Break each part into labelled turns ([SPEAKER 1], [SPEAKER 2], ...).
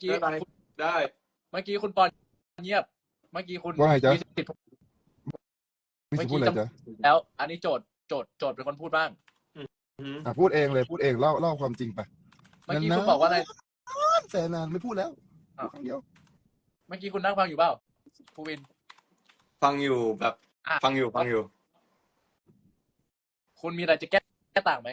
[SPEAKER 1] กี้
[SPEAKER 2] ได้ได้
[SPEAKER 1] เมื่อกี้คุณปอนเงียบ เมื่อกี้คุณ
[SPEAKER 3] ว่าไงจ๊ะ
[SPEAKER 1] มีสิทธิ์
[SPEAKER 3] พี่
[SPEAKER 1] เมื่
[SPEAKER 3] จะ
[SPEAKER 1] อ
[SPEAKER 3] พูด
[SPEAKER 1] กี้
[SPEAKER 3] อะไร
[SPEAKER 1] จำ
[SPEAKER 3] จ๊ะ
[SPEAKER 1] แล้ว อันนี้โจทย์เป็นคนพูดบ้าง
[SPEAKER 3] พูดเองเลยพูดเองเล่าความจริงไป
[SPEAKER 1] เมื่อกี้คุณบอกว่าอะไร
[SPEAKER 3] แต่นานไม่พูดแล้ว
[SPEAKER 1] อ้าว
[SPEAKER 3] ครั้งเดียว
[SPEAKER 1] เมื่อกี้คุณนั่งฟังอยู่เปล่าภูวิน
[SPEAKER 2] ฟังอยู่แบบ
[SPEAKER 1] อ่ะ
[SPEAKER 2] ฟังอยู่
[SPEAKER 1] คุณมีอะไรจะแก้ต่างไหม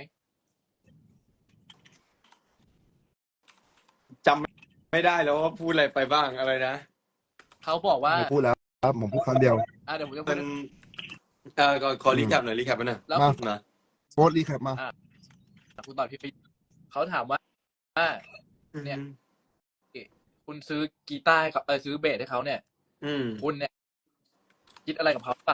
[SPEAKER 2] จำไม่ได้แล้วว่าพูดอะไรไปบ้างอะไรนะ
[SPEAKER 1] เขาบอกว่า
[SPEAKER 3] ไม่พูดแล้วครับผมพูดครั้งเดียว
[SPEAKER 1] เดี๋ยวผมจะพู
[SPEAKER 2] มั
[SPEAKER 1] ด
[SPEAKER 2] นขอรีแคปหน่อยรีแคปหน่อย
[SPEAKER 1] แล้ว
[SPEAKER 3] มา
[SPEAKER 1] คุณ
[SPEAKER 2] นะ
[SPEAKER 3] โพสต์รีแคปมา
[SPEAKER 1] คุณตอบพี่ฟิเขาถามว่า เนี่ย คุณซื้อกีตาร์ให้เขาซื้อเบสให้เขาเนี่ย คุณเนี่ย คิดอะไรกับเขาปะ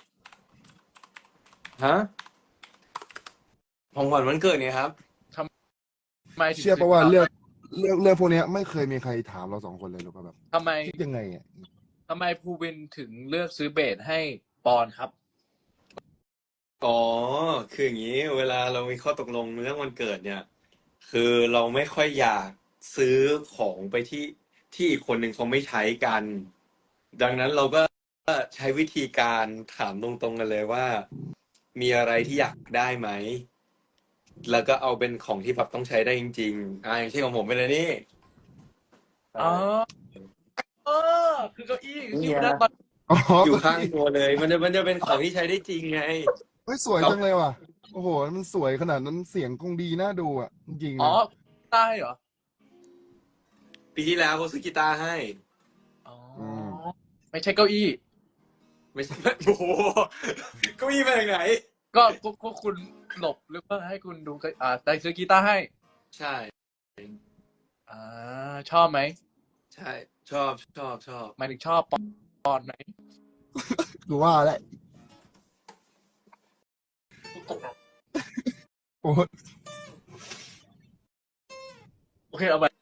[SPEAKER 2] ฮะของขวัญวันเกิดเนี่ยครับ
[SPEAKER 1] ทำไมถึง
[SPEAKER 3] เชื่อปะว่าเรื่องพวกเนี้ยไม่เคยมีใครถามเราสองคนเลยหรือเปล่าแบบ
[SPEAKER 1] ทำไม
[SPEAKER 3] คิดยังไงอ่ะ
[SPEAKER 1] ทำไมภูวินถึงเลือกซื้อเบสให้ปอนครับ
[SPEAKER 2] อ๋อ คืออย่างนี้ เวลาเรามีข้อตกลงเรื่องวันเกิดเนี่ย คือเราไม่ค่อยอยากซื้อของไปที่อีกคนหนึ่งเขาไม่ใช้กัน ดังนั้นเราก็ใช้วิธีการถามตรงๆกันเลยว่า มีอะไรที่อยากได้ไหม แล้วก็เอาเป็นของที่แบบต้องใช้ได้จริงๆอย่างเช่นของผมเป็นอะไรนี่
[SPEAKER 1] อ๋อคือเก้าอี้ที่คุณนั่งตอน
[SPEAKER 3] อ๋อ
[SPEAKER 2] อยู่ข้างตัวเลย มันจะเป็นของที่ใช้ได้จริงไง
[SPEAKER 3] เฮ้ยสวยจังเลยว่ะ โอ้โห มันสวยขนาดนั้นเสียงคงดีน่าดูอ่ะ จริงๆ
[SPEAKER 1] อ๋อ
[SPEAKER 3] นะ
[SPEAKER 1] ได้เหรอ
[SPEAKER 2] ปีที่แล้วเขาซื้อกีตาร์ให้
[SPEAKER 1] อ๋อ ไม่ใช่เก้าอี้
[SPEAKER 2] ไม่ใช่ โอ้โหเก็มีมาจากไหน
[SPEAKER 1] ก็คุณหลบหรือว่าให้คุณดูแต่ซื้อกีตาร์ให้
[SPEAKER 2] ใช่
[SPEAKER 1] ชอบไหม
[SPEAKER 2] ใช่ ชอบ
[SPEAKER 1] หมายถึงชอบปอนไหม
[SPEAKER 3] ดูว่าแหละโอ้ย
[SPEAKER 1] โอเคเอาไป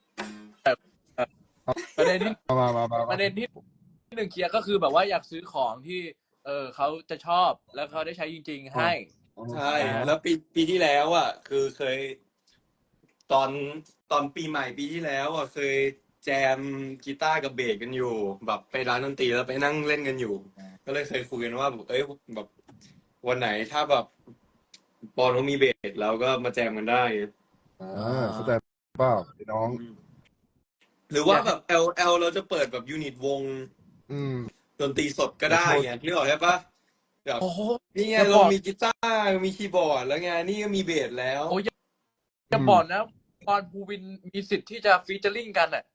[SPEAKER 1] ประเด็นที่
[SPEAKER 3] มา
[SPEAKER 1] ประเด็นที่หนึ่งเคลียร์ก็คือแบบว่าอยากซื้อของที่เขาจะชอบแล้วเขาได้ใช้จริงๆให้
[SPEAKER 2] ใช่ แล้วปีที่แล้วอ่ะ คือเคย ตอนปีใหม่ปีที่แล้วอ่ะเคยแจมกีตาร์กับเบสกันอยู่ แบบไปร้านดนตรีแล้วไปนั่งเล่นกันอยู่ ก็เลยเคยคุยกันว่าแบบวันไหนถ้าแบบปอนเขามีเบสแล้วก็มาแจมกันได้
[SPEAKER 3] เข้าใจเปล่าพี่น้อง
[SPEAKER 2] หรือว่าแบบL เราจะเปิดแบบยูนิตวง ดนตรีสดก็ได้ไงนึกออกใช่ปะแบบ
[SPEAKER 1] โอ้โห
[SPEAKER 2] นี่ไง
[SPEAKER 1] จะบอก
[SPEAKER 2] เรามีกีตาร์มีคีย์บอร์ดแล้วไงนี่ก็มีเบสแล้ว
[SPEAKER 1] โอ้ยจะบอกนะปอนภูวินมีสิทธิ์ที่จะฟีเจอริ่งกันอ่ะ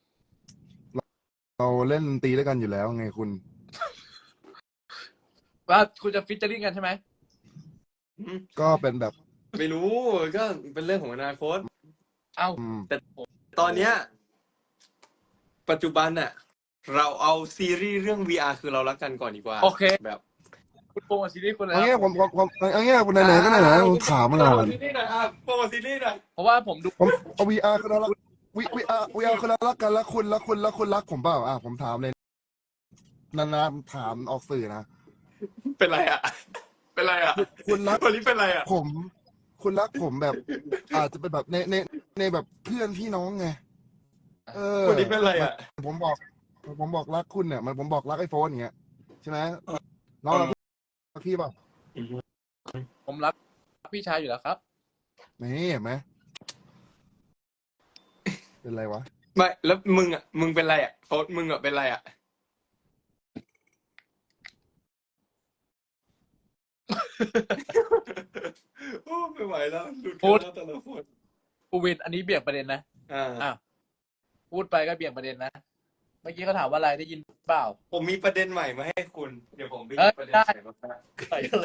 [SPEAKER 3] เราเล่นดนตรีด้วยกันอยู่แล้วไงคุณ
[SPEAKER 1] ว่าคุณจะฟีเจอริ่งกันใช่ไหม
[SPEAKER 3] ก็เป็นแบบ
[SPEAKER 2] ไม่รู้ก็เป็นเรื่องของอนาคต
[SPEAKER 1] เอ้า
[SPEAKER 2] แต่ตอนเนี้ยปัจจุบันน่ะ เราเอาซีรีส์เรื่อง VR คือเรารักกันก่อนดีกว่า
[SPEAKER 1] โอเค
[SPEAKER 2] แบบ
[SPEAKER 1] คุณโปรโมทซีรีส์คุณแล้ว
[SPEAKER 3] เอางี้ผมเอางี้คุณไหนๆก็ไหนๆผมถามมา
[SPEAKER 2] โปร
[SPEAKER 3] นาน
[SPEAKER 2] โมทซีรีส์หน่อยโปรโมทซีรีส์หน่อย
[SPEAKER 1] เพราะว่าผมดู
[SPEAKER 3] ผมเอา VR คือเรารัก VR คือเรารักกันแล้วคุณรักผมเปล่าผมถามเลยนานๆถามออกสื่อนะ
[SPEAKER 2] เป็นไรอ่ะ เป็นไรอ่ะ
[SPEAKER 3] คุณรัก
[SPEAKER 2] วันนี้เป็นไรอ่ะ
[SPEAKER 3] คุณรักผมแบบ อาจจะเป็นแบบในแบบเพื่อนพี่น้องไง
[SPEAKER 2] วันนี้เป็นไรอ่ะ
[SPEAKER 3] ผมบอกรักคุณเนี่ยมันผมบอกรักไอโฟนอย่างเงี้ยใช่ไหมน้องรักพี่เปล่า
[SPEAKER 1] ผมรักพี่ชายอยู่แล้วครับ
[SPEAKER 3] นี่เห็นไหมเป็นไรวะ
[SPEAKER 2] ไม่แล้วมึงเป็นไรอ่ะโฟนมึงอ่ะเป็นไรอ่ะ โอ้ไม่ไหวแล้วหลุดกันแล้วแต่ละคน
[SPEAKER 1] ภูวินอันนี้เบี่ยงประเด็นนะ
[SPEAKER 2] อ่า
[SPEAKER 1] พูดไปก็เบี่ยงประเด็นนะ เมื่อกี้เขาถามว่าอะไรได้ยินเปล่า
[SPEAKER 2] ผมมีประเด็นใหม่มาให้คุณ เดี๋ยวผมไปห
[SPEAKER 1] เอ้
[SPEAKER 2] ยิ
[SPEAKER 1] ย
[SPEAKER 2] บประเด็น
[SPEAKER 1] ได้
[SPEAKER 2] ใหม่มาให้
[SPEAKER 1] ใส่อะไร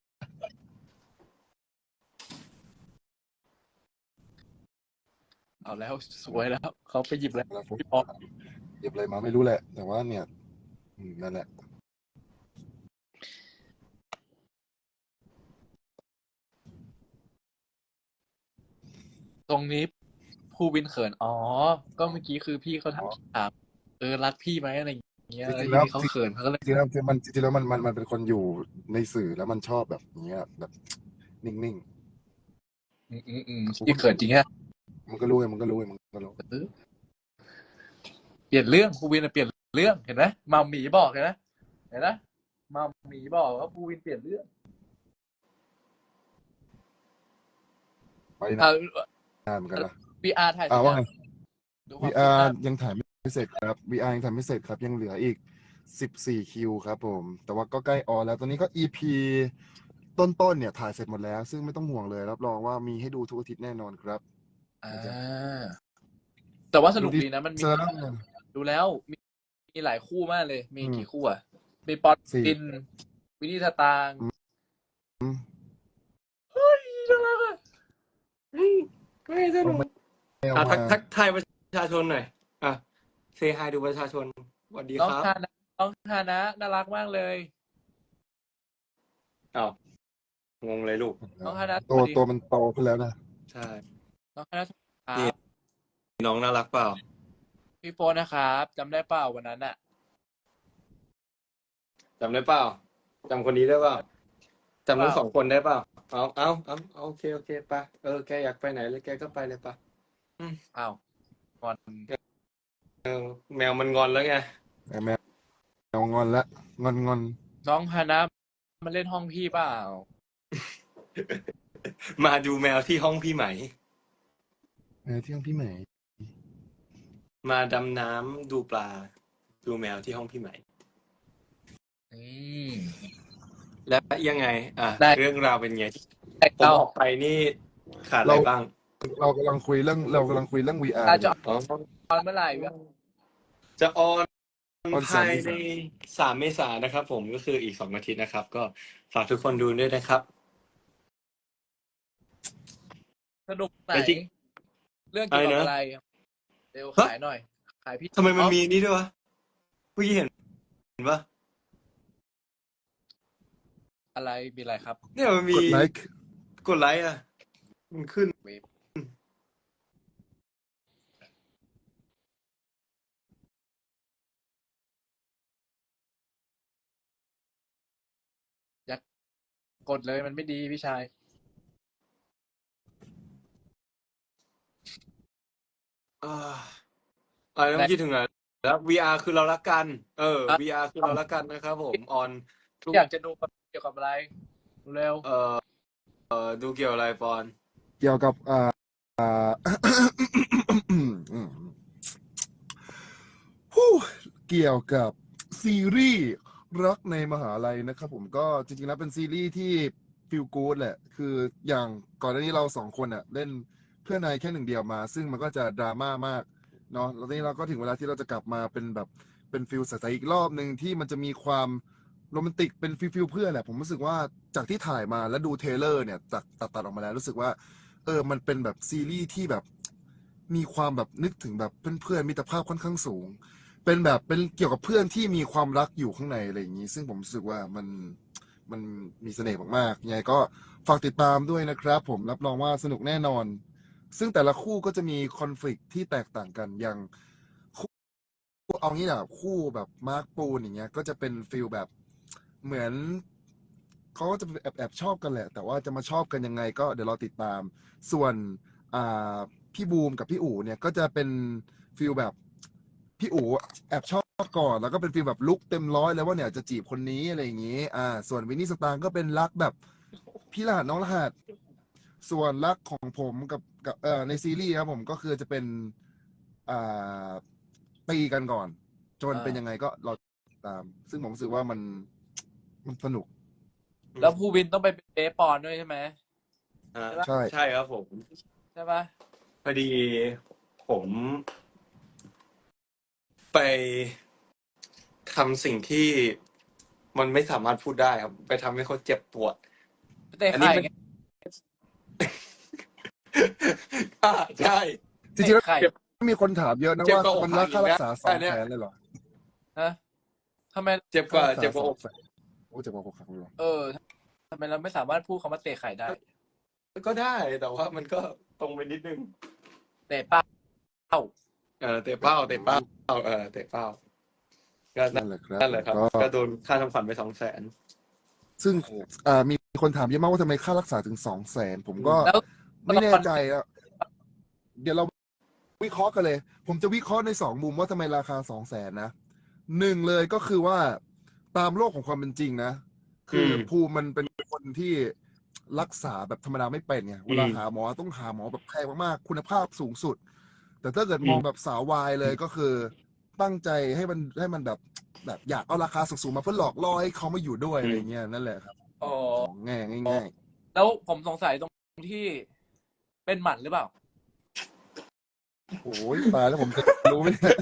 [SPEAKER 1] เอาแล้วสวยแล้วเขาไปหยิบแล้ว
[SPEAKER 3] แล้วผม
[SPEAKER 1] พี่ป๊อป
[SPEAKER 3] หยิบอะไรมาไม่รู้แหละ แต่ว่าเนี่ยนั่นแหละ
[SPEAKER 1] ตรงนี้ภูวินเขินอ๋อ ก็เมื่อกี้คือพี่เขาถามรักพี่ไหมอะไรอย่างเงี้ย
[SPEAKER 3] จริงๆ
[SPEAKER 1] แล้
[SPEAKER 3] แล้ว ว
[SPEAKER 1] เขาเขินเขาก็เลย
[SPEAKER 3] จริงๆแล้วมันเป็นคนอยู่ในสื่อแล้วมันชอบแบบอย่างเงี้ยแบบนิ่ง
[SPEAKER 1] พี่เขินจริงแค่
[SPEAKER 3] ๆมันก็รู้ไงมันก็รู้
[SPEAKER 1] เออเปลี่ยนเรื่องภูวินเปลี่ยนเรื่องเห็นไหมมัมหมีบอกเห็นไหมมัมหมีบอกว่าภูวินเปลี่ยนเรื่อง
[SPEAKER 3] ไปนานเหมือนกันนะ
[SPEAKER 1] VR ถ่ายเสร็จ
[SPEAKER 3] ว่า
[SPEAKER 1] ยัง
[SPEAKER 3] ไง
[SPEAKER 1] ดูความคืบห
[SPEAKER 3] VR
[SPEAKER 1] น้า
[SPEAKER 3] ยังถ่ายไม่เสร็จครับ VR ยังถ่ายไม่เสร็จครับยังเหลืออีก14คิวครับผม แต่ว่าก็ใกล้ออนแล้วตอนนี้ก็ EP ต้นเนี่ยถ่ายเสร็จหมดแล้ว ซึ่งไม่ต้องห่วงเลยรับรองว่ามีให้ดูทุกอาทิตย์แน่นอนครับ
[SPEAKER 1] อ่าแต่ว่าสนุกดีนะมันมี
[SPEAKER 3] เจอแล้วไง
[SPEAKER 1] ดูแล้วมีหลายคู่มากเลย มี
[SPEAKER 3] อืม
[SPEAKER 1] กี่คู่อ่ะ มีปอน
[SPEAKER 3] สี่
[SPEAKER 1] ปินวินนี่สตางค์
[SPEAKER 3] อืม
[SPEAKER 1] เฮ้ยน่ารักอ่ะ
[SPEAKER 2] ไม่สนุก
[SPEAKER 3] ไม่เอามา
[SPEAKER 2] ทักทายประชาชนหน่อยเซฮายดูประชาชนสวัสดี
[SPEAKER 1] น้อง
[SPEAKER 2] ครับ
[SPEAKER 1] ฮานะน้องฮานะน่ารักมากเลย
[SPEAKER 2] อ้าวงงเลยลูก
[SPEAKER 1] น้องฮานะ
[SPEAKER 3] ตัวมันโตขึ้นแล้วนะ
[SPEAKER 2] ใช่
[SPEAKER 1] น้องฮานะค
[SPEAKER 2] นี่
[SPEAKER 1] รับ
[SPEAKER 2] น้องน่ารักเปล่า
[SPEAKER 1] พี่โฟนนะครับจำได้เปล่าวันนั้นอ่ะ
[SPEAKER 2] จำได้เปล่าจำคนนี้ได้เปล่าจำทั้ง
[SPEAKER 1] เปล่า
[SPEAKER 2] สองคนได้เปล่าเอาโอเคไปแกอยากไปไหนเลยแกก็ไปเลยปะ
[SPEAKER 1] อ้าวก่อน
[SPEAKER 2] แมวมันงอนแล้วไง
[SPEAKER 3] แมวงอนละงอน
[SPEAKER 1] น้องฮานะมาเล่นห้องพี่เปล่า
[SPEAKER 2] มาดูแมวที่ห้องพี่ไหม
[SPEAKER 3] ที่ห้องพี่ใหม่
[SPEAKER 2] มาดำน้ำดูปลา ดูแมวที่ห้องพี่ไหม
[SPEAKER 1] อืม
[SPEAKER 2] แล้วยังไง
[SPEAKER 1] ได้
[SPEAKER 2] เรื่องราวเป็นไงผม
[SPEAKER 1] เรา
[SPEAKER 2] ออกไปนี่ขาดอะไรบ้าง
[SPEAKER 3] เรากำลังคุยเรื่อง VR
[SPEAKER 1] อาจจะ
[SPEAKER 2] อ๋อ
[SPEAKER 1] ตอนเมื่อไหร่วะ
[SPEAKER 2] จะออน
[SPEAKER 3] ออน
[SPEAKER 2] ภายใน3 เมษายนนะครับผมก็คืออีก2 อาทิตย์นะครับ ก็ฝากทุกคนดูด้วยนะครับ
[SPEAKER 1] สนุกไหน
[SPEAKER 2] ไปที่
[SPEAKER 1] เรื่องเกี่ยวกับ
[SPEAKER 2] อะไรนะ
[SPEAKER 1] อะไรเร็ว
[SPEAKER 2] ฮะ
[SPEAKER 1] ขายหน่อย ขายพี่
[SPEAKER 2] ทำไมมัน
[SPEAKER 1] อ๋อ
[SPEAKER 2] มีนี่ด้วยวะเมื่อกี้เห็นปะ
[SPEAKER 1] อะไรมีอะไรครับ
[SPEAKER 2] เนี่ยมันมี
[SPEAKER 3] กดไลค์
[SPEAKER 2] กดไลค์มันขึ้น
[SPEAKER 1] เว็บอย่ากดเลยมันไม่ดีพี่ชาย
[SPEAKER 2] แล้วเมื่อกี้ถึงไหนแล้ว VR คือเรารักกัน VR คือเรารักกันนะครับผมออนทุก
[SPEAKER 1] อยากจะดูเกี่ยวกับอะไรเร็ว
[SPEAKER 2] ดูเกี่ยวอะไรปอน
[SPEAKER 3] เกี่ยวกับเกี่ยวกับซีรีส์รักในมหาลัยนะครับผมก็จริงๆแล้วเป็นซีรีส์ที่ฟีลกู๊ดแหละ คืออย่างก่อนหน้านี้เราสองคนเล่นเพื่อนนายแค่หนึ่งเดียวมา ซึ่งมันก็จะดราม่ามากเนาะแล้วทีนี้เราก็ถึงเวลาที่เราจะกลับมาเป็นแบบเป็นฟิลใสๆอีกรอบหนึ่งที่มันจะมีความโรแมนติกเป็นฟิลเพื่อนแหละผมรู้สึกว่าจากที่ถ่ายมาแล้วดูเทรลเลอร์เนี่ยตัดออกมาแล้วรู้สึกว่ามันเป็นแบบซีรีส์ที่แบบมีความแบบนึกถึงแบบเพื่อนๆมิตรภาพค่อนข้างสูง เป็นแบบเป็นเกี่ยวกับเพื่อนที่มีความรักอยู่ข้างในอะไรอย่างนี้ ซึ่งผมรู้สึกว่ามันมีเสน่ห์มากๆยังไงก็ฝากติดตามด้วยนะครับ ผมรับรองว่าสนุกแน่นอน ซึ่งแต่ละคู่ก็จะมีคอน FLICT ที่แตกต่างกันอย่างคู่เอางี้นะคู่แบบมาร์คปูนอย่างเงี้ยก็จะเป็นฟิลแบบเหมือนเขาก็จะแอบชอบกันแหละ แต่ว่าจะมาชอบกันยังไงก็เดี๋ยวรอติดตาม ส่วนพี่บูมกับพี่อู๋เนี่ยก็จะเป็นฟิลแบบพี่อู๋แอบชอบก่อนแล้วก็เป็นฟิลแบบลุกเต็มร้อยแล้วว่าเนี่ยจะจีบคนนี้อะไรอย่างงี้ส่วนวินนี่สตางค์ก็เป็นรักแบบพี่รหัสน้องรหัสส่วนรักของผมกับในซีรีส์ครับผมก็คือจะเป็นตีกันก่อน จนเป็นยังไงก็รอติดตาม ซึ่งผมรู้สึกว่ามันสนุก
[SPEAKER 1] แล้วภูวินต้องไปเป็นเบสปอนด้วยใช่ไหม
[SPEAKER 3] ใช่
[SPEAKER 2] ใช่ครับผม
[SPEAKER 1] ใช่ปะ
[SPEAKER 2] พอดีผมไปทำสิ่งที่มันไม่สามารถพูดได้ครับ ไปทำให้เขาเจ็บปวด
[SPEAKER 1] เตะ
[SPEAKER 2] อันนี้
[SPEAKER 1] ไข่
[SPEAKER 2] เป็น
[SPEAKER 1] ไง
[SPEAKER 2] ใช่
[SPEAKER 3] จริงๆแล้ว
[SPEAKER 1] ไข่
[SPEAKER 3] มีคนถามเยอะนะ
[SPEAKER 2] เจ็บ
[SPEAKER 3] ว่าก
[SPEAKER 2] ว่า
[SPEAKER 3] มันรักค่ารักษา
[SPEAKER 2] อกหักอีกนะ
[SPEAKER 3] 200,000เลยเหรอ
[SPEAKER 1] ฮะทำไม
[SPEAKER 2] เจ็บกว่าเจ็บกว่าอก
[SPEAKER 3] โอ้เจ็บกว่าอกหักเลยเหรอ
[SPEAKER 1] ทำไมเราไม่สามารถพูดคำว่าเตะไข่ได้
[SPEAKER 2] ก็ได้ แต่ว่ามันก็ตรงไปนิดนึง
[SPEAKER 1] เตะเป้า
[SPEAKER 2] เตะเป้าเตะเป้าเตะเป้าก็
[SPEAKER 3] นั่นแหละครับ
[SPEAKER 2] นั่นแหละครับ ก็โดนค่าทำขวัญไป200,000
[SPEAKER 3] ซึ่งมีคนถามเยอะมากว่าทำไมค่ารักษาถึง200,000ผมก็
[SPEAKER 1] แล้ว
[SPEAKER 3] ไม่แน่ใจอะเดี๋ยวเราวิเคราะห์กันเลย ผมจะวิเคราะห์ในสองมุมว่าทำไมราคา200,000นะหนึ่งเลยก็คือว่าตามโลกของความเป็นจริงนะ คือภูมิมันเป็นคนที่รักษาแบบธรรมดาไม่เป็นไงเวลาหาหมอต้องหาหมอแบบแพงมากๆคุณภาพสูงสุด แต่ถ้าเกิดมองแบบสาววายเลยก็คือตั้งใจให้มันแบบอยากเอาราคาสูงๆมาเพื่อหลอกล่อให้เขามาอยู่ด้วยอะไรเงี้ยนั่นแหละครับ
[SPEAKER 1] อ๋อ
[SPEAKER 3] ของง่าย
[SPEAKER 1] แล้วผมสงสัยตรงที่เป็นหมันหรือเปล่า
[SPEAKER 3] ๆโอ้ยตายแล้วผมจะรู้ไหมเนี่ย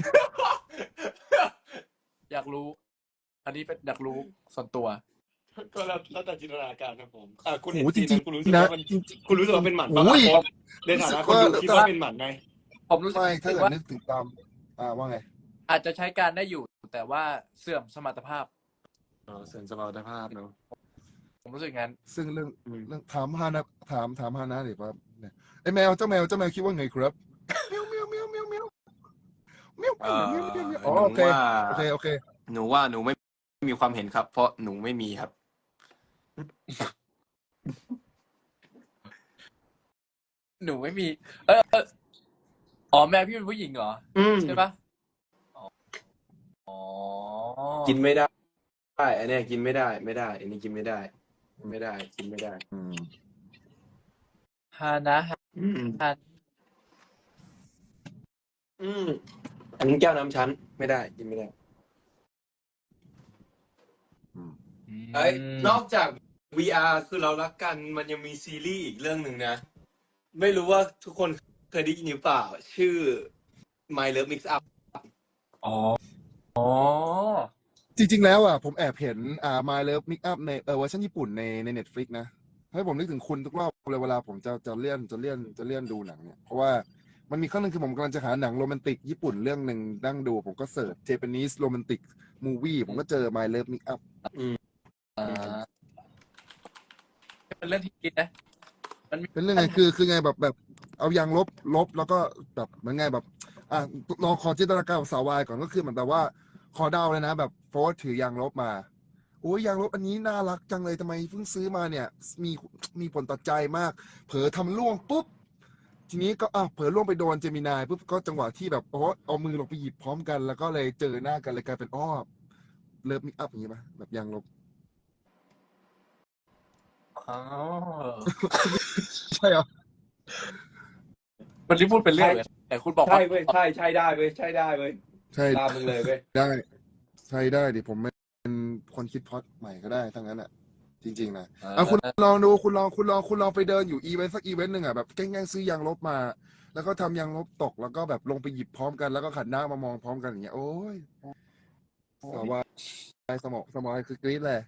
[SPEAKER 1] อยากรู้ อันนี้เป็นอยากรู้ส่วนตัว
[SPEAKER 2] ก็แล้วแต่จินตนาการครับผมคุณ
[SPEAKER 3] โห
[SPEAKER 2] เห็น
[SPEAKER 3] จ
[SPEAKER 2] ซีน
[SPEAKER 3] ริ
[SPEAKER 2] นั้
[SPEAKER 3] ง
[SPEAKER 2] นคุณรู้สึก
[SPEAKER 3] ๆนะ
[SPEAKER 2] ว่ามัน
[SPEAKER 3] จริง
[SPEAKER 2] คุณรู้สึกว่าเป็นหมัน
[SPEAKER 3] ๆ
[SPEAKER 2] ป่ะ
[SPEAKER 3] โอ้ย
[SPEAKER 2] โค้ชในฐานะคนดูคิดว่าเป็นหมันไหม
[SPEAKER 1] ผมรู้สึก
[SPEAKER 3] ไม่ถ้าเกิด
[SPEAKER 1] ว่า
[SPEAKER 3] นึกถึงตามว่าไง
[SPEAKER 1] อาจจะใช้การได้อยู่ แต่ว่าเสื่อมสมรรถภาพ
[SPEAKER 2] เสริมสมรรถภาพเนาะ
[SPEAKER 1] ผมรู้สึกงั้น
[SPEAKER 3] ซึ่งเรื่องถามฮานะถามฮานะดิครับเนี่ยไอ้แมวเจ้าแมวคิดว่าไงครับเมียวเมียวเมียวเมียวเมียวเมียวเมียวเมียวเมียวเมียวอ๋อ
[SPEAKER 2] หนู
[SPEAKER 3] โอเค
[SPEAKER 2] ว่า
[SPEAKER 3] โอเค
[SPEAKER 2] หนูว่าหนูไม่มีความเห็นครับ เพราะหนูไม่มีครับ
[SPEAKER 1] หนูไม่มี อ๋อแม่พี่เป็นผู้หญิงเหรอ ใช่ปะอ๋อ
[SPEAKER 2] กินไม่ได้อันเนี้ยกินไม่ได้อันนี้กินไม่ได้กินไม่ได้
[SPEAKER 1] ฮานะฮา
[SPEAKER 2] อันนี้แก้วน้ำชั้นไม่ได้กินไม่ได้นอกจาก VR คือเรารักกันมันยังมีซีรีส์อีกเรื่องหนึ่งนะ ไม่รู้ว่าทุกคนเคยได้ยินหรือเปล่า ชื่อ My Love Mix Up
[SPEAKER 1] อ๋อ
[SPEAKER 3] จริงๆแล้วผมแอบเห็นMy Love Mix Up ในเวอร์ชันญี่ปุ่นใน Netflix นะให้ผมนึกถึงคุณทุกรอบเลยเวลาผมจะเลื่อนดูหนังเนี่ยเพราะว่ามันมีครั้งหนึ่งคือผมกำลังจะหาหนังโรแมนติกญี่ปุ่นเรื่องหนึ่งนั่งดูผมก็เสิร์ช Japanese Romantic Movie ผมก็เจอ My Love Mix Up
[SPEAKER 1] เป็นเรื่องที่คิดนะ
[SPEAKER 3] เป็นเรื่องไงคือไงแบบเอายางลบแล้วก็แบบเหมือนไงแบบลองขอจินตนาการกับสาววายก่อนก็คือเหมือนแบบว่าขอเดาเลยนะแบบโฟร์ถือยางลบมาโอ้ยยางลบอันนี้น่ารักจังเลยทำไมเพิ่งซื้อมาเนี่ยมีผลต่อใจมาก เผลอทำล่วงปุ๊บทีนี้ก็เผลอล่วงไปโดนเจมินายปุ๊บก็จังหวะที่แบบเอามือลงไปหยิบพร้อมกันแล้วก็เลยเจอหน้ากันเลยกลายเป็นเลิฟมิกอัพอย่างนี้ป่ะแบบยางลบ
[SPEAKER 1] อ๋อ
[SPEAKER 3] ใช่เหรอ
[SPEAKER 1] วันนี้พูดเป็นเรื่องเลยแต่คุณบอก
[SPEAKER 2] ใช่
[SPEAKER 1] ว่า
[SPEAKER 2] เว้ยใช่ได้เว้ยใช่ตามมึงเลยเว้ย
[SPEAKER 3] ได้ใช่ได้ดิผมเป็นคนคิดพล็อตใหม่ก็ได้ทั้งนั้นจริงๆนะคุณลองดูคุณลองไปเดินอยู่อีเวนต์สักอีเวนต์หนึ่งแบบแกล้งซื้อยางลบมา แล้วก็ทำยางลบตกแล้วก็แบบลงไปหยิบพร้อมกันแล้วก็ขันหน้ามามองพร้อมกันอย่างเงี้ยโอ้ยสวายสมองคือกรี๊ดเลย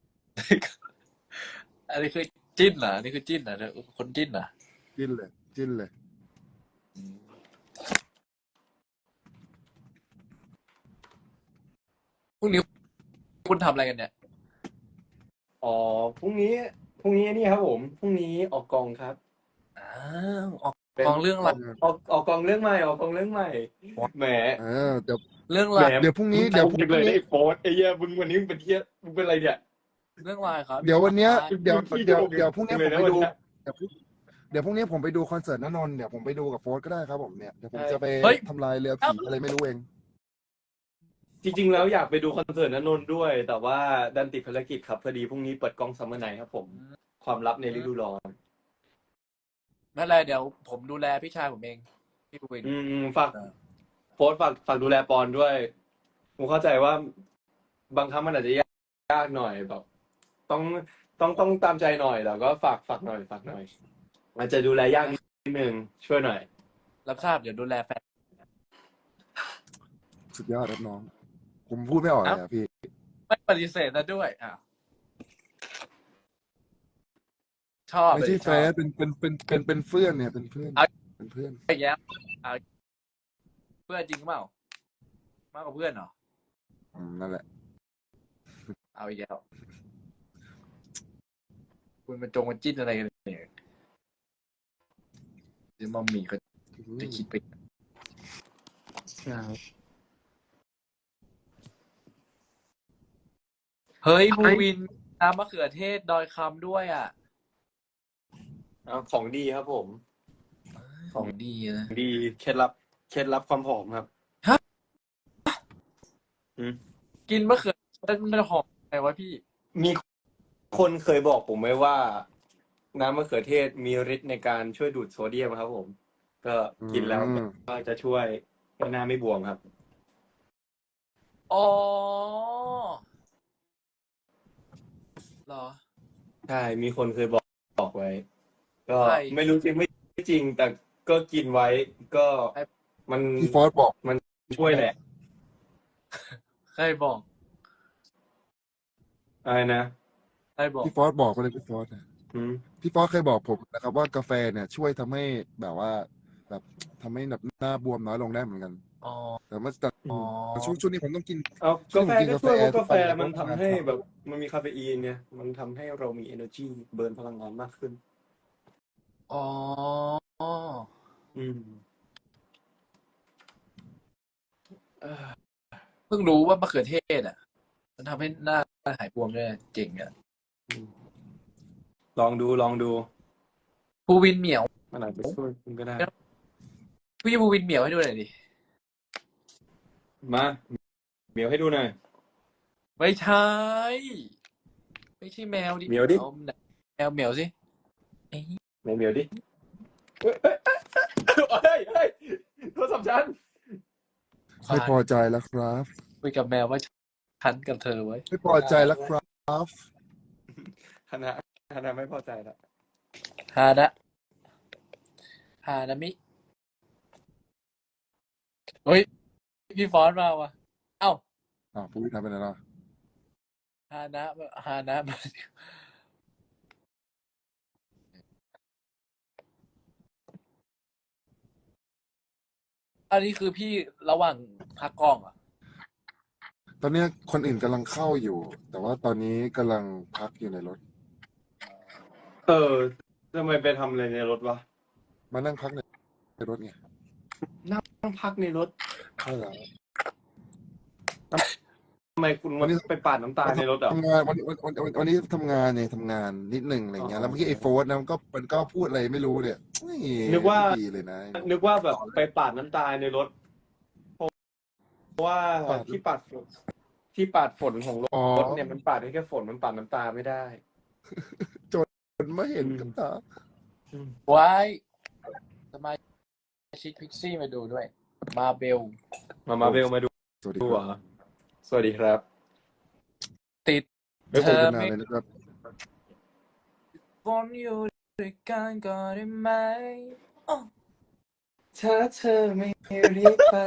[SPEAKER 1] อันนี้คือจิ้นเหรออันนี้คือจิ้นเหรอคนจิ้นเหรอ
[SPEAKER 3] จิ้นเลย
[SPEAKER 1] พรุ่งนี้คุณทำอะไรกันเนี่ย
[SPEAKER 2] อ๋อพรุ่งนี้นี่ครับผมพรุ่งนี้ออกกองครับ
[SPEAKER 1] ออกกองเรื่องอะไร
[SPEAKER 2] ออกกองเรื่องใหม่แหม
[SPEAKER 3] เดี๋ยว
[SPEAKER 1] เรื่อง
[SPEAKER 2] แห
[SPEAKER 1] อะไร
[SPEAKER 2] ม
[SPEAKER 3] เดี๋ยวพรุ่งนี้
[SPEAKER 2] มึงเลยไอ้โฟร์ไอ้เหี้ยมึงวันนี้มึงเป็นเหี้ยมึงเป็นอะไรเนี่ย
[SPEAKER 1] เรื่องอะไรครับ
[SPEAKER 3] เดี๋ยววันเนี้ย
[SPEAKER 2] พี่
[SPEAKER 3] เดี๋ยว
[SPEAKER 2] พี่
[SPEAKER 3] เดี๋ยว
[SPEAKER 2] โดน
[SPEAKER 3] เดี๋ยวพรุ่งนี้
[SPEAKER 2] เล
[SPEAKER 3] ผม
[SPEAKER 2] ยนะ
[SPEAKER 3] ไปดู
[SPEAKER 2] วันเนี้ย
[SPEAKER 3] เดี๋ยวพรุ่งนี้ผมไปดูคอนเสิร์ตณนนท์เดี๋ยวผมไปดูกับโฟร์ก็ได้ครับผมเนี่ยเดี๋ยวผมจะไป
[SPEAKER 1] เฮ้ย
[SPEAKER 3] ทำลายเรือผีอะไรไม่รู้เอง
[SPEAKER 2] จริงๆแล้วอยากไปดูคอนเสิร์ตณนนท์ด้วย แต่ว่าดันติดภารกิจครับพอดีพรุ่งนี้เปิดกล้องซัมเมอร์ไนท์ครับผม ความลับในฤดูร้อน
[SPEAKER 1] ไม่เป็นไรเดี๋ยวผมดูแลพี่ชายผมเองพี่วิน
[SPEAKER 2] ฝากโพสต์ฝากดูแลปอนด้วยผมเข้าใจว่าบางครั้งมันอาจจะยากหน่อยแบบ ต้องตามใจหน่อยแต่ก็ฝากหน่อยอาจจะดูแลยากนิดนึงช่วยหน่อย
[SPEAKER 1] รับทราบเดี๋ยวดูแลแฟน
[SPEAKER 3] สุดยอดครับน้อง ผมพูดไม่ออกเลยอะพี่
[SPEAKER 1] ไม่ปฏิเสธนะด้วยชอบ
[SPEAKER 3] ไม่ใช่
[SPEAKER 1] ช
[SPEAKER 3] แฟ
[SPEAKER 1] อบ
[SPEAKER 3] นเป็นเพื่อนเนี่ยเป็นเพื่อน
[SPEAKER 1] เอา
[SPEAKER 3] เป็นเพื่อน
[SPEAKER 1] ไอ้แย้มเพื่อนจริงเปล่ามากกว่าเพื่อนเหรอ
[SPEAKER 3] นั่นแหละ
[SPEAKER 1] เอาอีกแล้วคุณมาจิ้นอะไรกันเนี่ยเดี๋ยวมัมมี่ก็จะคิดไปเฮ้ยภูวินน้ำมะเขือเทศดอยคำด้วย
[SPEAKER 2] ของดีครับผม
[SPEAKER 1] ของดีนะ
[SPEAKER 2] ดีเคล็ดลับเคล็ดลับความผอมครับ
[SPEAKER 1] ฮะ
[SPEAKER 2] อืม
[SPEAKER 1] กินมะเขือมันหอมไงวะพี่
[SPEAKER 2] มีคนเคยบอกผมไว้ว่า น้ำมะเขือเทศมีฤทธิ์ในการช่วยดูดโซเดียมครับผม ก็กินแล้วก็จะช่วยให้หน้าไม่บวมครับ
[SPEAKER 1] อ๋อเหรอ
[SPEAKER 2] ใช่ มีคนเคยบอกไว้ ก็
[SPEAKER 1] ใช่
[SPEAKER 2] ไม่รู้จริงไม่จริง แต่ก็กินไว้ ก็มัน
[SPEAKER 3] พี่ฟอสบอก
[SPEAKER 2] มันช่วยแหละ
[SPEAKER 1] ใครบอก
[SPEAKER 2] อะไรนะ
[SPEAKER 1] ใครบอก
[SPEAKER 3] พี่ฟอสบอกไปเลยพี่ฟอสนะ
[SPEAKER 2] อืม
[SPEAKER 3] พี่ฟอสเคยบอกผมนะครับว่ากาแฟเนี่ยช่วยทำให้แบบว่าแบบทำให้แบบหน้าบวมน้อยลงได้เหมือนกัน
[SPEAKER 1] อ๋อ
[SPEAKER 3] แต่ว่าแต่
[SPEAKER 1] อ๋อ
[SPEAKER 3] ช่วงนี้ผมต้องกิน
[SPEAKER 2] เอา
[SPEAKER 3] ช่ว
[SPEAKER 2] กาง
[SPEAKER 3] นี้
[SPEAKER 2] แฟ
[SPEAKER 3] ผมกิน
[SPEAKER 2] ก็
[SPEAKER 3] กาแฟ
[SPEAKER 2] ช่วยเพราะ
[SPEAKER 3] ทุ
[SPEAKER 2] กาก แฟ
[SPEAKER 3] วัน
[SPEAKER 2] มันทำให้
[SPEAKER 3] เพราะว่า
[SPEAKER 2] แบบ มันมีคาเฟอีนเนี่ย มันทำให้เรามี energy เบิร์นพลังงานมากขึ้น
[SPEAKER 1] อ๋อ
[SPEAKER 2] อืม
[SPEAKER 1] เพิ่งรู้ว่ามะเขือเทศอ่ะ มันทำให้หน้าหายบวมด้วยเจ๋งอ่ะ
[SPEAKER 2] ลองดู
[SPEAKER 1] ภูวินเหมียว
[SPEAKER 2] มันอาจจะช่วยคุณก็ได้
[SPEAKER 1] พี่ภูวินเหมียวให้ดูหน่อยดิ
[SPEAKER 2] มาเหมียวให้ดูหน่อย
[SPEAKER 1] ไม่ใช่ ไม่ใช่แมวดิ
[SPEAKER 2] เหมียวดิ
[SPEAKER 1] อาแมวเหมียวสิ
[SPEAKER 2] ไหนเหมียวดิเฮ้ยเฮ้ยโทรศัพท์ฉัน
[SPEAKER 3] ไม่พอใจแล้วครับ
[SPEAKER 1] คุยกับแมวว่าฉันกับเธอไว้
[SPEAKER 3] ไม่พอใจแล้วครับ
[SPEAKER 2] ฮานะไม่พอใจละ
[SPEAKER 1] ฮานามิ เฮ้ย พี่ฟอนต์มาว่ะ เอ้า
[SPEAKER 3] ผู้วิทย์ทำเป็นอะไรล่ะ
[SPEAKER 1] ฮานะมาอันนี้คือพี่ระหว่างพักกล้องเหรอ่ะ
[SPEAKER 3] ตอนเนี้ยคนอื่นกำลังเข้าอยู่ แต่ว่าตอนนี้กำลังพักอยู่ในรถ
[SPEAKER 2] ทำไมไปทำอะไรในรถวะ
[SPEAKER 3] มานั่งพักในรถไง
[SPEAKER 2] นั่งพักในรถ
[SPEAKER 3] ใช่แล้ว
[SPEAKER 2] ทำไมคุณ
[SPEAKER 3] วันนี้
[SPEAKER 2] ไปปาดน้ำตาในรถอ่ะ
[SPEAKER 3] ทำงานวันนี้ทำงานเนี่ยทำงานนิดหนึ่งอะไรเงี้ยแล้วเมื่อกี้ไอ้โฟร์นะมันก็พูดอะไรไม่รู้เนี่ย
[SPEAKER 2] นึกว่า
[SPEAKER 3] ไม่ดีเลยนะ
[SPEAKER 2] นึกว่าแบบไปปาดน้ำตาในรถ เพราะว่าที่ปาดฝนของร
[SPEAKER 3] อ๋อ
[SPEAKER 2] ถเนี่ยมันปาดได้แค่ฝนมันปาดน้ำตาไม่ได้
[SPEAKER 3] มันไม่เห็นกับตา
[SPEAKER 1] ไว้สมาชิกพิกซี่มาดูด้วย มาเบล
[SPEAKER 2] มาเบลมาดู
[SPEAKER 3] สวัสดี
[SPEAKER 2] ดู
[SPEAKER 3] ค
[SPEAKER 2] เหร
[SPEAKER 3] รับ
[SPEAKER 2] อสวัสดีครับ
[SPEAKER 1] ติด
[SPEAKER 3] ไม่
[SPEAKER 1] เธ
[SPEAKER 3] คุย
[SPEAKER 1] อ
[SPEAKER 3] กันนาน
[SPEAKER 1] ไม่
[SPEAKER 3] เลยนะครับ
[SPEAKER 1] ฝนอยู่ด้วยกันก็ได้ไหมอ้อ
[SPEAKER 2] ถ้าเธอไม่รีบไป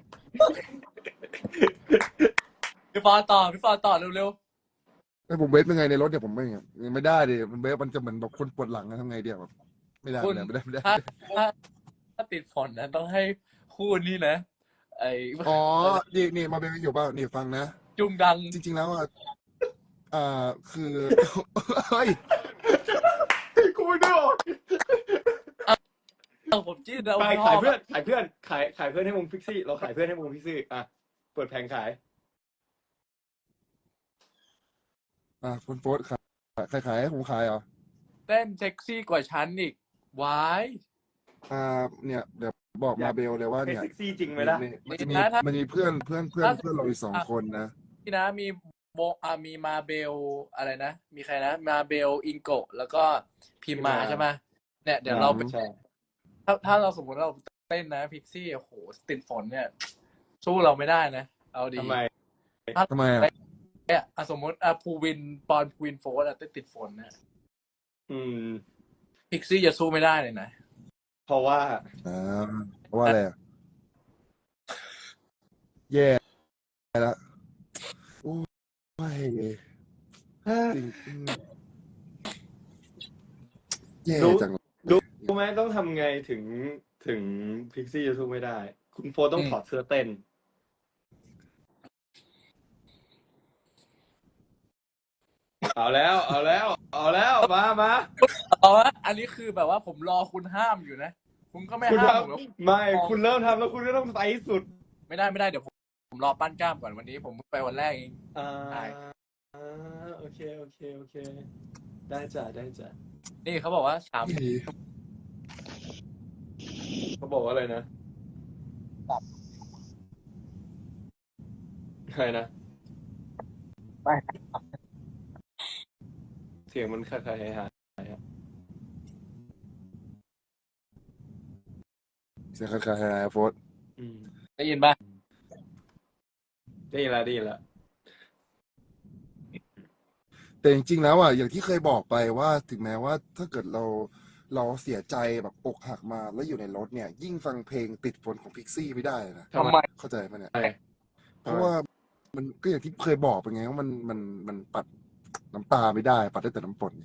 [SPEAKER 1] พี่ฟอนต่อเร็ว
[SPEAKER 3] ไอ้ผมเวฟเป็นไงในรถเนี่ยผมไม่ได้ดิมันเวฟมันจะเหมือนแบบคนปวดหลังนะทำไงเดียวแบบไม่ได้
[SPEAKER 1] คุณ
[SPEAKER 3] ไม่ได้
[SPEAKER 1] ถ้าติดฝนนะต้องให้คู่นี้นะ ไอ้
[SPEAKER 3] อ๋อนี่มาเป็นอยู่เปล่านี่ฟังนะ
[SPEAKER 1] จุงดัง
[SPEAKER 3] จริงๆแล้วคือ เฮ้ย
[SPEAKER 2] กูไม่ดู
[SPEAKER 1] ผมจิ้นแล้ว
[SPEAKER 2] ไปขายเพื่อนขายเพื่อนให้วงพิกซี่เราขายเพื่อนให้วงพิกซี่อ่ะเปิดแผงขาย
[SPEAKER 3] คุณโฟร์ขายให้ผมขายเหรอ
[SPEAKER 1] เต้นเซ็กซี่กว่าฉันอีกวาย
[SPEAKER 3] เนี่ยเดี๋ยวบอกมาเบลเลยว่า
[SPEAKER 2] ให้
[SPEAKER 3] เนี่ย
[SPEAKER 2] เซ็กซี่จริงไหมล่ะ
[SPEAKER 3] มันมีเพื่อนเราอีก2 คนนะ
[SPEAKER 1] พี่นะมีมีมาเบลอะไรนะ มีใครนะ มาเบลอิงโกะแล้วก็พิมมาใช่ไหมเนี่ยเดี๋ยวเรา
[SPEAKER 2] ใช่
[SPEAKER 1] ถ้าเราสมมติเราเต้นนะพิกซี่โอ้โหติดฝนเนี่ย สู้เราไม่ได้นะ เอาดี
[SPEAKER 2] ทำไม
[SPEAKER 3] ทำไมอ่ะ
[SPEAKER 1] เนี่ยสมมติภูวินโฟร์อะติดฝนเนี่ย พิกซี่จะสู้ไม่ได้เลยนะ
[SPEAKER 2] เพราะว่า
[SPEAKER 3] เพราะว่าอะไรอะแย่แล้วโอ้ยจริงแย่จัง
[SPEAKER 2] รู้ไหมต้องทำไงถึงพิกซี่จะสู้ไม่ได้ คุณโฟต้องถอดเสื้อเต้น เอาแล้วมา
[SPEAKER 1] เอาละอันนี้คือแบบว่าผมรอคุณห้ามอยู่นะ คุณก็ไม่
[SPEAKER 2] คุณ
[SPEAKER 1] ห้ามผมหรอก
[SPEAKER 2] ไม่คุณเริ่มทำแล้วคุณก็ต้องไปให้สุด
[SPEAKER 1] ไม่ได้เดี๋ยวผมรอปั้นกล้ามก่อนวันนี้ผมไปวันแรกเอง
[SPEAKER 2] โอเคได้จ้ะ
[SPEAKER 1] นี่เขาบอกว่า3
[SPEAKER 2] เขาบอกว่าอะไรนะใครนะ
[SPEAKER 1] ไม่
[SPEAKER 2] เสียงมันคล้ายๆหาย
[SPEAKER 3] เสียงคล้ายๆโฟร์
[SPEAKER 2] อืม
[SPEAKER 1] ได้ยินป่ะ
[SPEAKER 2] ได้ยินแล้วได้ยินแล้ว
[SPEAKER 3] แต่จริงๆแล้วอ่ะอย่างที่เคยบอกไปว่าถึงแม้ว่าถ้าเกิดเราเสียใจแบบอกหักมาแล้วอยู่ในรถเนี่ย ยิ่งฟังเพลงติดฝนของพิกซี่ไม่ได้นะ
[SPEAKER 2] ทำไม
[SPEAKER 3] เข้าใจไหมเนี่ย
[SPEAKER 2] ใช่
[SPEAKER 3] เพราะว่ามันก็อย่างที่เคยบอกไปไงว่ามันปัดน้ำตาไม่ได้ ปัดได้แต่น้ำฝน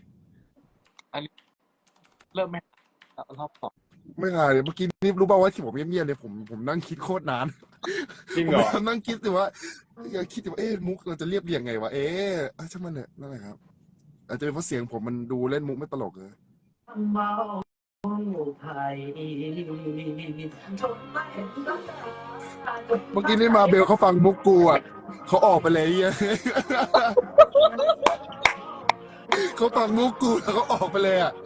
[SPEAKER 1] เริ่มไหมรอบสอง
[SPEAKER 3] ไม่ค่ะเลยเมื่อกี้นี่รู้ป่าวว่าที่ผมเงียบๆเลยผมนั่งคิดโคตรนาน
[SPEAKER 2] จริง
[SPEAKER 3] ผม
[SPEAKER 2] เหรอ
[SPEAKER 3] นั่งคิดสิว่าอยากคิดว่ามุกเราจะเรียบเรียงไงวะช่างมันเถอะนั่นแหละครับ อาจจะเป็นเพราะเสียงผมมันดูเล่นมุกไม่ตลกเลย
[SPEAKER 4] เมาไผ่
[SPEAKER 3] เมื่อกี้นี่มาเบลเขาฟังมุกกูอ่ะเขาออกไปเลยเหี้ย เขาฟังมุกกูแล้วเขาออกไปเลยอ่ะ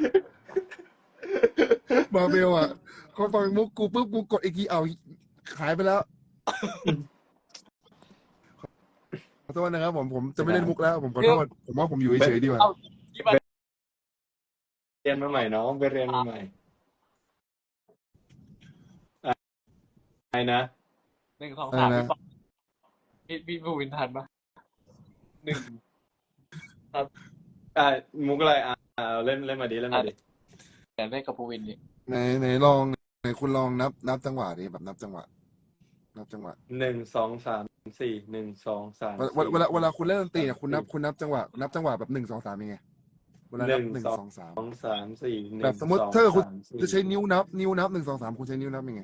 [SPEAKER 3] มาเบลอ่ะเขาฟังมุกกูปุ๊บกูกดอีกทีเอาหายไปแล้ว ขอโทษนะครับผมจะไม่เล่นมุกแล้ว ผมขอโทษผมว่าผมอยู่เฉยๆดีกว่า
[SPEAKER 1] เอาที่มัน
[SPEAKER 2] เรียนมาใหม่น้องไปเรียนมาใหม่อะไรนะ
[SPEAKER 1] 1 2 3
[SPEAKER 3] อะไรนะ
[SPEAKER 1] พี่บูวินทันป่ะ 1
[SPEAKER 2] มุกอะไรเล่นมาดิเล่นมาดิ
[SPEAKER 1] แต่เล่นกับบูวินนี่
[SPEAKER 3] ไหนลองไหนคุณลองนับจังหวะดิแบบนับจังหวะ
[SPEAKER 2] 1 2 3 4 1 2 3
[SPEAKER 3] เวลาคุณเล่นดนตรีเนี่ยคุณนับจังหวะแบบ1 2 3ยังไงเวลานับ1 2 3
[SPEAKER 2] 2 3 4
[SPEAKER 3] แบบสมมติถ้าคุณจะใช้นิ้วนับ1 2 3คุณใช้นิ้วนับยังไง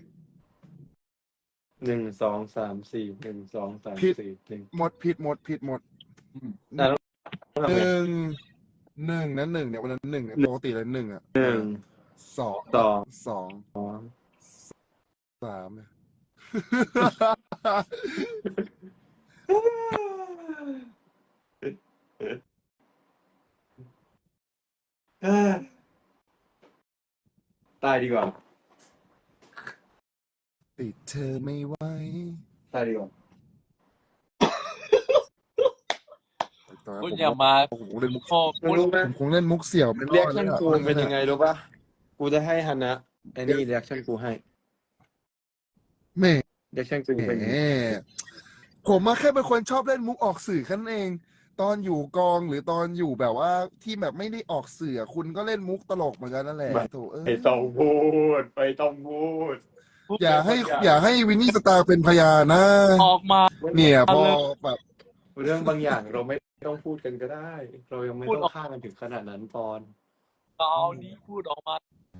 [SPEAKER 2] 1 2 3 4 1 2 3
[SPEAKER 3] ผิด
[SPEAKER 2] 4 1
[SPEAKER 3] หมดผิดหมด
[SPEAKER 2] แล้ว
[SPEAKER 3] หนึ่งนั้นหนึ่งเนี่ยวันนั้นหนึ่งเนี่ยปกติเลยหนึ่งอ่ะ
[SPEAKER 2] 1
[SPEAKER 3] สอง
[SPEAKER 2] 2
[SPEAKER 3] สามเนี่ย
[SPEAKER 2] ตายดีกว่า
[SPEAKER 3] ติดเธอไม่ไหว
[SPEAKER 2] ตายดีกว่า
[SPEAKER 3] ตอนนั้น
[SPEAKER 1] คุณอย่ามา
[SPEAKER 3] ผมคงเล่นมุก
[SPEAKER 1] โอ้
[SPEAKER 2] มึง
[SPEAKER 1] คุณ
[SPEAKER 2] รู้ไหม
[SPEAKER 3] ผมคงเล่นมุกเสี่ยวไม่ร
[SPEAKER 2] เรีย
[SPEAKER 3] อก ด
[SPEAKER 2] ชั่น
[SPEAKER 3] แล้ว
[SPEAKER 2] กูเป็นยังไงรู้ป่ะ กูจะให้ฮันนะไอ้นี่เรียกชั่นกูให้
[SPEAKER 3] แหม่
[SPEAKER 2] เรียกชั่นกูเป็นยังไง
[SPEAKER 3] ผมมาแค่เป็นคนชอบเล่นมุกออกสื่อแค่นั้นเอง ตอนอยู่กองหรือตอนอยู่แบบว่าที่แบบไม่ได้ออกสื่อคุณก็เล่นมุกตลกเหมือนกันนั่นแหละโถ
[SPEAKER 2] ไปต้องพูดไปต้องพูด
[SPEAKER 3] อย่าให้วินนี่สตาร์เป็นพยานนะ
[SPEAKER 1] ออกมา
[SPEAKER 3] เนี่ยพอแบบ
[SPEAKER 2] เรื่องบางอย่างเราไม่ต้องพูดกันก็ได้ เรายังไม่ต้องฆ่ากันถึงขนาดนั้นปอน
[SPEAKER 1] เอานี้พูดออกมา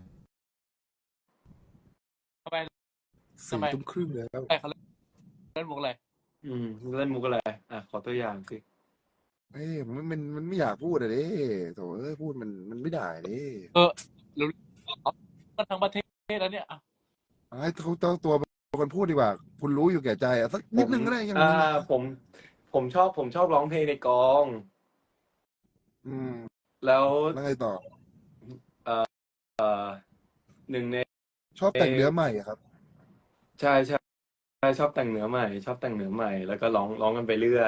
[SPEAKER 1] ทำไม
[SPEAKER 3] 4 ทุ่มครึ่งแล้ว
[SPEAKER 1] อะไรเขาเล่นมุกอะไร
[SPEAKER 2] เล่นมุกอะไรขอตัวอย่างสิ
[SPEAKER 3] มันไม่อยากพูดอะเด้โถพูดมันไม่ได้เด้
[SPEAKER 1] ก็ทั้งประเทศแล้วเนี่ย
[SPEAKER 3] ให้เขาตัวคนพูดดีกว่า คุณรู้อยู่แก่ใจสักนิดนึงก็ได้ยังไง
[SPEAKER 2] ผมชอบร้องเพลงในกอง แล้ว
[SPEAKER 3] แล้วไงต่อ
[SPEAKER 2] หนึ่งใน
[SPEAKER 3] ชอบแต่งเนื้อใหม่อะครับ
[SPEAKER 2] ใช่ชอบแต่งเนื้อใหม่ แล้วก็ร้องกันไปเรื่อย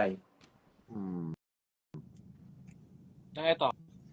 [SPEAKER 1] ยังไงต่อ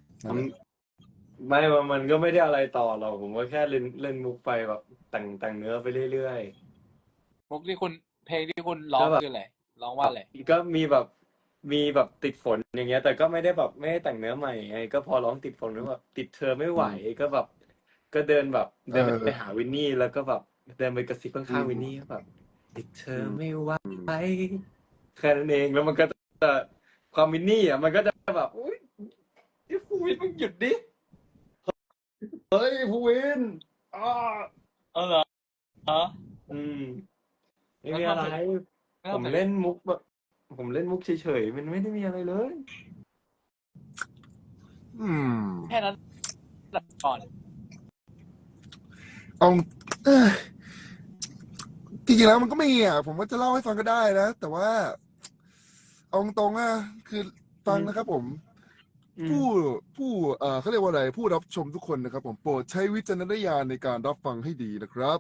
[SPEAKER 2] ไม่ว่ามันก็ไม่ได้อะไรต่อหรอกผมก็แค่เล่นมุกไปแบบแต่งเนื้อไปเรื่อย
[SPEAKER 1] มุกที่คุณเพลงที่คุณร้อง
[SPEAKER 2] ก็แบบ
[SPEAKER 1] คืออะไรร้องว่าอะไร
[SPEAKER 2] ๆก็มีแบบติดฝนอย่างเงี้ย แต่ก็ไม่ได้แต่งเนื้อใหม่ไงก็พอร้องติดฝนแล้วแบบติดเธอไม่ไหวก็แบบ ก็เดินไปหาวินนี่แล้วก็แบบเดินไปกระซิบข้างๆวินนี่แบบติดเธอไม่ไหวแค่นั้นเองแล้วมันก็จะความวินนี่มันก็จะแบบอุ้ยภูวินมึงหยุดดิเฮ้ยภูวิน
[SPEAKER 1] เหรอ
[SPEAKER 2] ไม่มีอะไรผมเล่นมุกแบบผมเล่นมุกเฉยๆมันไม่ได้มีอะไรเลย
[SPEAKER 1] แค่นั้นก่อน
[SPEAKER 3] เอาจริงๆแล้วมันก็มีผมว่าจะเล่าให้ฟังก็ได้นะ แต่ว่าเอาตรงๆคือฟังนะครับผมผู้ผู้เขาเรียกว่าอะไรผู้รับชมทุกคนนะครับผมโปรดใช้วิจารณญาณในการรับฟังให้ดีนะครับ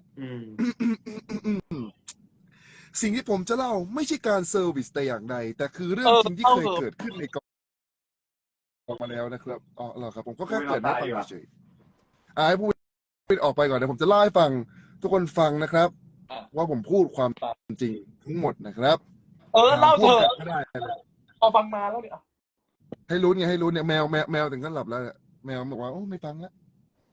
[SPEAKER 3] สิ่งที่ผมจะเล่าไม่ใช่การเซอร์วิสแต่อย่างใดแต่คือเรื่องจริงที่เคยเกิดขึ้นในกองมาแล้วนะครับอ๋อเหรอครับผมก็แค่เกริดให้ฟังเฉยๆให้พูดออกไปก่อนเดี๋ยวผมจะเล่าให้ฟังทุกคนฟังนะครับ ว่าผมพูดความจริงทั้งหมดนะครับ
[SPEAKER 1] เล่าเถอะ
[SPEAKER 3] ก็ได้
[SPEAKER 1] พอฟังมาแล้วเนี่ย
[SPEAKER 3] ให้ลุ้นไงให้ลุ้นเนี่ยแมวถึงขั้นหลับแล้วเนี่ยแมวบอกว่าโอ้ไม่ฟังแล้ว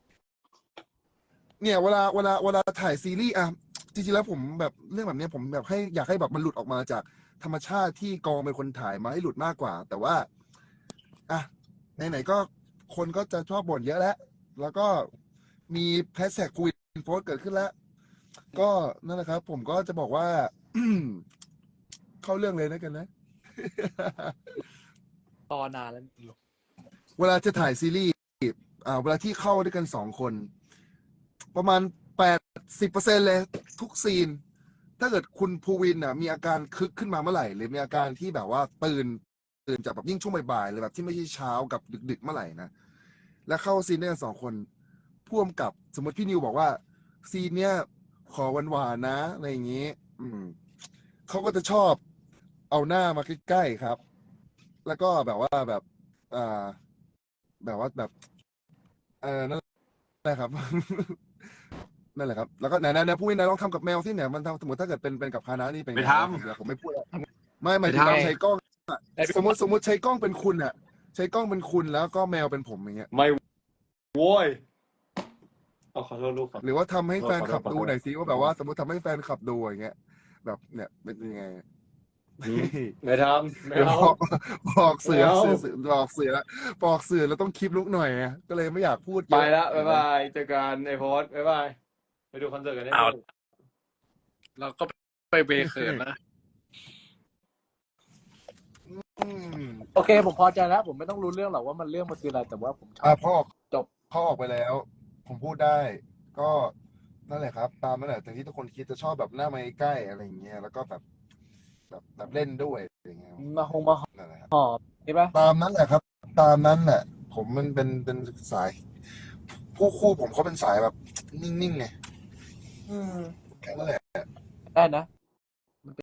[SPEAKER 3] เนี่ยเวลาถ่ายซีรีส์อ่ะจริงๆแล้วผมแบบเรื่องแบบเนี้ยผมแบบอยากให้แบบมันหลุดออกมาจากธรรมชาติที่กองเป็นคนถ่ายมาให้หลุดมากกว่า แต่ว่าอ่ะไหนๆก็คนก็จะชอบบ่นเยอะแล้วก็มีแฮชแท็กคุยโพสเกิดขึ้นแล้ว ก็นั่นแหละครับ ผมก็จะบอกว่า เข้าเรื่องเลยนะกันนะ
[SPEAKER 1] ตอนานแล้ว
[SPEAKER 3] เวลาจะถ่ายซีรีส์เวลาที่เข้าด้วยกัน2 คน ประมาณ80%เลยทุกซีน ถ้าเกิดคุณภูวินมีอาการคึกขึ้นมาเมื่อไหร่ หรือมีอาการที่แบบว่าตื่นจากแบบยิ่งช่วงบ่ายๆเลยแบบที่ไม่ใช่เช้ากับดึกๆเมื่อไหร่นะ แล้วเข้าซีนด้วยกัน2 คนพ่วงกับสมมติพี่นิวบอกว่าซีนเนี้ยขอหวานๆนะอะไรอย่างนี้ เขาก็จะชอบเอาหน้ามาใกล้ๆครับ แล้วก็แบบว่าแบบแบบว่าแบบนั่นแหละครับ นั่นแหละครับ แล้วก็ไหนพูดนะลองทำกับแมวสิเนี่ยมันทำสมมติถ้าเกิดเป็นกับคานะนี่เป็น
[SPEAKER 2] ไม่
[SPEAKER 3] ไง
[SPEAKER 2] ทำ
[SPEAKER 3] เดี๋ยวผมไม่พูดแล้วไม่หมายถึงเราใช้กล้องสมมติใช้กล้องเป็นคุณอ่ะ ใช้กล้องเป็นคุณแล้วก็แมวเป็นผมอย่างเงี้ย
[SPEAKER 2] ไม่โว้ยขอโทษลูกครับ
[SPEAKER 3] หรือว่าทำให้แฟนคลับ
[SPEAKER 2] ขอโทษ
[SPEAKER 3] ดูหน่อยสิว่าแบบว่าสมมติทำให้แฟนคลับดูอย่างเงี้ย แบบเนี่ยเป็นยังไง
[SPEAKER 2] ไม่ทำไม่
[SPEAKER 3] เดี๋ยว
[SPEAKER 2] เอา
[SPEAKER 3] บอกเสือ
[SPEAKER 2] ไม่เอา
[SPEAKER 3] บอกเสือแล้วต้องคลิปลุกหน่อยไงก็เลยไม่อยากพูดเย
[SPEAKER 2] ไป
[SPEAKER 3] อะ
[SPEAKER 2] ละบ๊ายบายเจอกันไอโพสบ๊ายบายไปดูคอนเสิร์ตกันได้
[SPEAKER 1] อ้าว
[SPEAKER 2] เลย
[SPEAKER 1] เราก็ไปเบเขินนะ
[SPEAKER 3] อืม
[SPEAKER 1] โอเค ผมพอใจแล้ว ผมไม่ต้องรู้เรื่องหรอกว่ามันเรื่องมันคืออะไร แต่ว่าผมชอบ
[SPEAKER 3] พ่อ
[SPEAKER 1] จบ
[SPEAKER 3] เขาออกไปแล้ว ผมพูดได้ ก็นั่นแหละครับ ตามนั่นแหละแต่ที่ทุกคนคิดจะชอบแบบหน้าไม้ใกล้อะไรอย่างเงี้ยแล้วก็แบบเล่นด้วยอะไรอย่างเงี้ย
[SPEAKER 1] มาห
[SPEAKER 3] นั่นแหละครับ
[SPEAKER 1] อบใช่ปะ
[SPEAKER 3] ตามนั้นแหละครับ ตามนั้นแหละ ผมมันเป็นสายคู่ผมเขาเป็นสายแบบนิ่งๆไงแค่นั้นแหละ
[SPEAKER 1] ได้นะ